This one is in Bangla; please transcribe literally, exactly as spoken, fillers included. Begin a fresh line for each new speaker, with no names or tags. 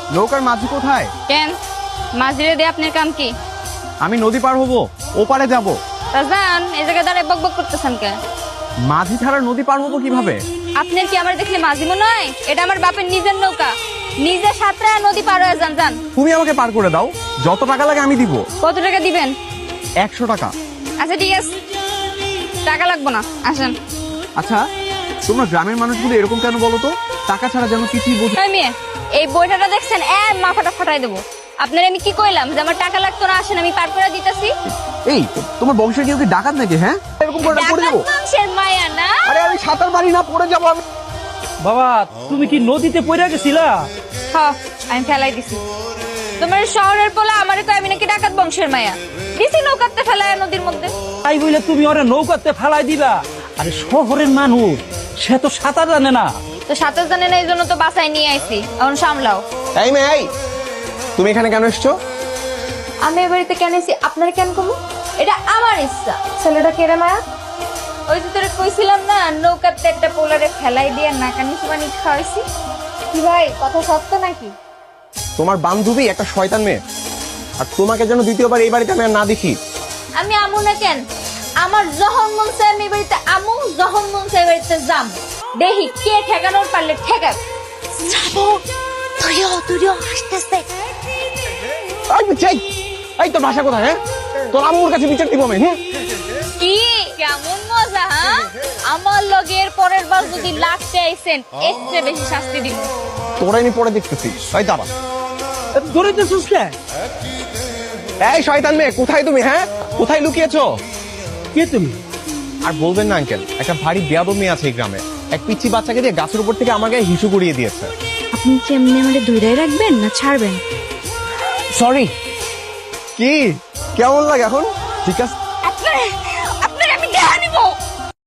নৌকার মাঝি কোথায়?
কেন মাঝিরে দিয়ে আপনার কাম কি?
আমি নদী পার হবো, ওপারে যাব।
তা যান, এই জায়গায় দাঁড়ায় বক বক করতেছেন কে?
মাঝি ছাড়া নদী পার হবো কিভাবে?
আপনার কি আমার দেখলে মাঝি মনে হয়? এটা আমার বাপের নিজের নৌকা, নিজে সাঁতরা নদী পার হয়ে যান। যান।
তুমি আমাকে পার করে দাও, যত টাকা লাগে আমি দিব।
কত টাকা দিবেন?
একশো টাকা।
আচ্ছা ঠিক আছে, টাকা লাগবো না, আসেন।
আচ্ছা, তোমরা গ্রামের মানুষগুলো এরকম কেন বলো তো? টাকা ছাড়া যেন কিছুই বোঝে।
এই মেয়ে, এই বইটাটা দেখছেন, এ মাথাটা ফাটাই দেবো। আপনার আমি কি কইলাম যে আমার টাকা লাগতো না, আসেন আমি পার করে দিতেছি।
এই তোমার বংশের কেউ কি ডাকাত নাকি? হ্যাঁ, এরকম করে পড়ে যাবো।
বংশের মায়া না?
আরে আমি সাঁতার পারি না, পড়ে যাবো আমি।
বাবা তুমি কি নদীতে পড়ে গেছিলা?
হ্যাঁ, আমি ফেলাই দিছি। তোমার শহরের পোলা আমারে কয় আমি নাকি ডাকাত বংশের মায়া, দিছি নৌকাতে ফেলায় নদীর মধ্যে।
তাই বলে তুমি ওরে নৌকাতে ফেলাই দিবা? আরে শহরের মানুষ, সে তো সাঁতার জানে না।
তো সাঁতার জানে না, এই জন্য তো বাসায় নিয়ে আইছি, এখন সামলাও।
এই মেয়ে, এই তুমি এখানে কেন এসছো?
আমি এ বাড়িতে কেন এসেছি আপনার কেন কমু? এটা আমার ইচ্ছা। ছেলেটা কেড়ে মায়া, ওই যে তোরে কইছিলাম না, নৌকাতে একটা পোলারে ফেলাই দিয়ে নাকানি সুবানি খাওয়াইছি। কি ভাই, কথা সত্য নাকি?
তোমার বান্ধবী একটা শয়তান মেয়ে, আর তোমাকে যেন দ্বিতীয়বার এই বাড়িতে আমি আর না দেখি।
আমি আমু না কেন? আমার যখন মন চায় আমি এই বাড়িতে আমু, যখন মন চায় এই বাড়িতে যাম। দেখি কে ঠেকানোর পারলে ঠেকাক।
যাবো, তুইও তুইও আসতেছে।
এই চাই, এই তোর ভাষা কোথায়? হ্যাঁ, তোর আম্মুর কাছে বিচার দিব আমি। হুম,
কি কেমন মজা? হ্যাঁ, আমার লগের পরের বার যদি লাগতে আইছেন, এর চেয়ে বেশি শাস্তি দিব।
তোরা আমি পরে দেখতেছি। এই দাঁড়া,
ধরিতেছিস কে?
এই শয়তান মেয়ে, কোথায় তুমি? হ্যাঁ, কোথায় লুকিয়েছো?
কে তুমি?
আর বলবেন না আঙ্কেল, একটা ভারী বেয়াদব মেয়ে আছে এই গ্রামে। এক পিচ্ছি বাচ্চাকে দিয়ে গাছের উপর থেকে আমার গায়ে হিসু করিয়ে দিয়েছে।
আপনি কি এমনি আমাদের ধৈর্য রাখবেন না ছাড়বেন?
সরি। কি কেমন লাগে এখন? ঠিক আছে,
আপনার আপনার আমি দেখা নিব।